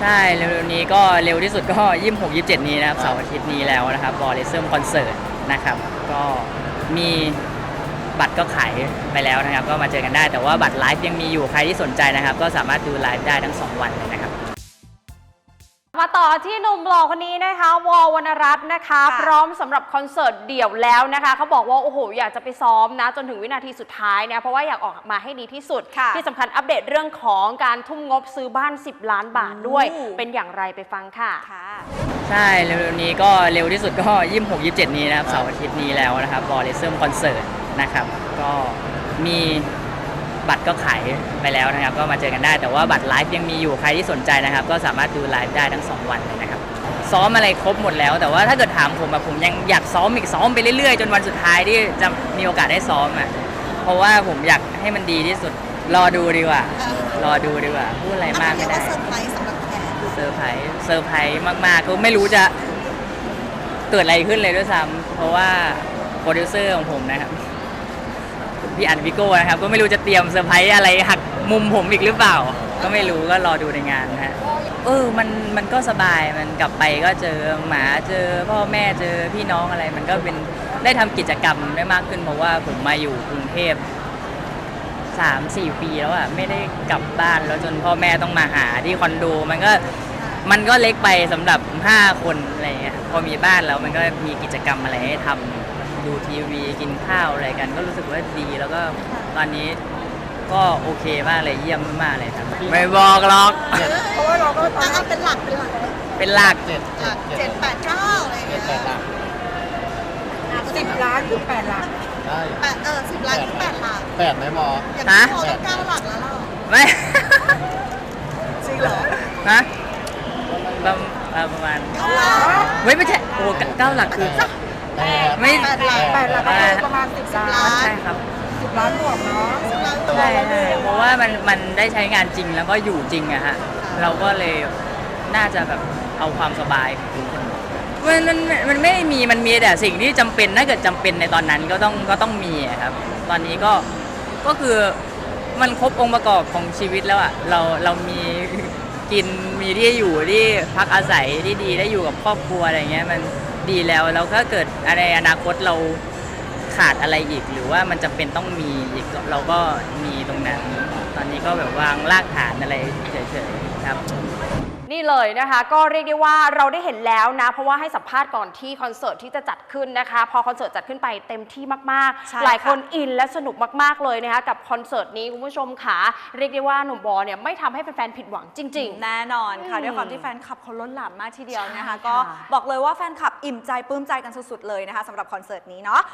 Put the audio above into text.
ใช่เร็วๆนี้ก็เร็วที่สุดก็26-27นี้นะครับเสาร์อาทิตย์นี้แล้วนะครับบอลเลเซอร์คอนเสิร์ตนะครับก็มีบัตรก็ขายไปแล้วนะครับก็มาเจอกันได้แต่ว่าบัตรไลฟ์ยังมีอยู่ใครที่สนใจนะครับก็สามารถดูไลฟ์ได้ทั้ง2วันเลยนะครับมาต่อที่หนุ่มหล่อคนนี้นะคะวอลวรรณรัตน์นะคะพร้อมสำหรับคอนเสิร์ตเดี่ยวแล้วนะคะเขาบอกว่าโอ้โหอยากจะไปซ้อมนะจนถึงวินาทีสุดท้ายนะเพราะว่าอยากออกมาให้ดีที่สุดที่สำคัญอัปเดตเรื่องของการทุ่มงบซื้อบ้าน10 ล้านบาทด้วยเป็นอย่างไรไปฟังค่ะใช่เร็วๆนี้ก็เร็วที่สุดก็26-27นี้นะครับเสาร์อาทิตย์นี้แล้วนะครับบอลเลเซอร์คอนเสิร์ตนะครับก็มีบัตรก็ขายไปแล้วนะครับก็มาเจอกันได้แต่ว่าบัตรไลฟ์ยังมีอยู่ใครที่สนใจนะครับก็สามารถดูไลฟ์ได้ทั้ง2วันเลยนะครับซ้อมอะไรครบหมดแล้วแต่ว่าถ้าเกิดถามผมผมยังอยากซ้อมไปเรื่อยๆจนวันสุดท้ายที่จะมีโอกาสได้ซ้อมเพราะว่าผมอยากให้มันดีที่สุดรอดูดีกว่ารอดูดีกว่าพูดอะไรมากไม่ได้เซอร์ไพรส์สำหรับแขกเซอร์ไพรส์มากๆก็ไม่รู้จะเกิดอะไรขึ้นเลยด้วยซ้ำเพราะว่าโปรดิวเซอร์ของผมนะครับพี่อันพี่โก้นะครับก็ไม่รู้จะเตรียมเซอร์ไพรส์อะไรหักมุมผมอีกหรือเปล่าก็ไม่รู้ก็รอดูในงานนะฮะมันก็สบายมันกลับไปก็เจอหมาเจอพ่อแม่เจอพี่น้องอะไรมันก็เป็นได้ทำกิจกรรมได้มากขึ้นเพราะว่าผมมาอยู่กรุงเทพ3-4 ปีแล้วไม่ได้กลับบ้านแล้วจนพ่อแม่ต้องมาหาที่คอนโดมันก็เล็กไปสำหรับ5 คนอะไรเงี้ยพอมีบ้านแล้วมันก็มีกิจกรรมอะไรให้ทำดูทีวีกินข้าวอะไรกันก็รู้สึกว่าดีแล้วก็ตอนนี้ก็โอเคมากเลยเยี่ยมมากเลยครับไม่บอกหรอกเพราะว่าเราก็เป็นหลัก7-8-9อะไรเงี้ย 10 ล้านคือ8 หลักได้10 ล้านคือ8 หลัก 8ไหมหมออย่างนี้พอต้อง9 หลักแล้วเราไม่จริงเหรอนะประมาณไม่ใช่โอ้9 หลักคือไม่ 8 หลักประมาณ10 ล้านใช่ครับ 10 ล้านบวกเนาะใช่เพราะว่ามันได้ใช้งานจริงแล้วก็อยู่จริงอะฮะเราก็เลยน่าจะแบบเอาความสบายของทุกคนมันไม่มีมันมีแต่สิ่งที่จำเป็นถ้าเกิดจำเป็นในตอนนั้นก็ต้องมีครับตอนนี้ก็คือมันครบองค์ประกอบของชีวิตแล้วเรามีกินมีที่อยู่ที่พักอาศัยที่ดีได้อยู่กับครอบครัวอะไรเงี้ยมันดีแล้วถ้าเกิดในอนาคตเราขาดอะไรอีกหรือว่ามันจำเป็นต้องมีอีกเราก็มีตรงนั้นตอนนี้ก็แบบวางรากฐานอะไรเฉยๆครับนี่เลยนะคะก็เรียกได้ว่าเราได้เห็นแล้วนะเพราะว่าให้สัมภาษณ์ก่อนที่คอนเสิร์ตที่จะจัดขึ้นนะคะพอคอนเสิร์ตจัดขึ้นไปเต็มที่มากๆหลายคนอินและสนุกมากๆเลยนะคะกับคอนเสิร์ตนี้คุณผู้ชมค่ะเรียกได้ว่าหนุ่มบอลเนี่ยไม่ทำให้แฟนๆผิดหวังจริงๆแน่นอนค่ะด้วยความที่แฟนคลับเขาล้นหลามมากทีเดียวนะคะก็บอกเลยว่าแฟนคลับอิ่มใจปลื้มใจกันสุดๆเลยนะคะสำหรับคอนเสิร์ตนี้เนาะ